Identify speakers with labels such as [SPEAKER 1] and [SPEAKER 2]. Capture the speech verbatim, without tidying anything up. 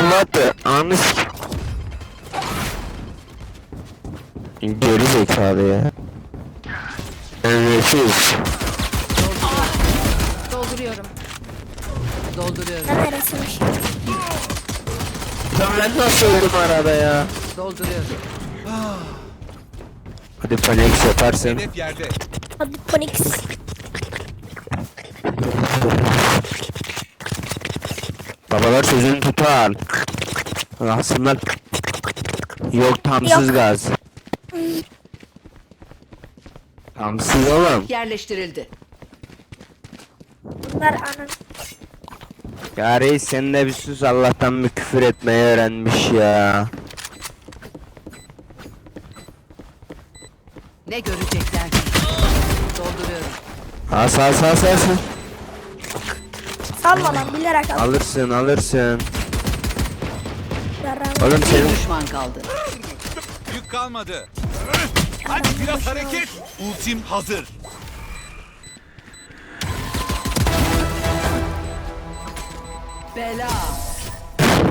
[SPEAKER 1] what the anı s- Geri zekalı ya. Nefis.
[SPEAKER 2] Dolduruyorum. Dolduruyorum.
[SPEAKER 3] Neresiymiş?
[SPEAKER 1] Ben nasıl öldüm arada ya?
[SPEAKER 2] Dolduruyorum.
[SPEAKER 1] Hadi Phoenix yaparsın.
[SPEAKER 4] Hedef yerde.
[SPEAKER 3] Hadi Phoenix.
[SPEAKER 1] Babalar sözünü tutar. Aslında yok tamsız
[SPEAKER 3] Yok.
[SPEAKER 1] gaz. Tamsız oğlum.
[SPEAKER 2] Yerleştirildi.
[SPEAKER 3] Bunlar anın.
[SPEAKER 1] Ya reis sen de bir sus, Allah'tan bir küfür etmeyi öğrenmiş ya.
[SPEAKER 2] Ne görecekler ki? Dolduruyorum.
[SPEAKER 1] As as as as.
[SPEAKER 3] Salma lan, bilerek al.
[SPEAKER 1] Alırsın alırsın.
[SPEAKER 3] Yaran.
[SPEAKER 1] Oğlum
[SPEAKER 2] Bir
[SPEAKER 1] senin
[SPEAKER 2] düşman kaldı.
[SPEAKER 4] Yük kalmadı. Hadi biraz hareket. Ultim hazır.
[SPEAKER 2] Bela.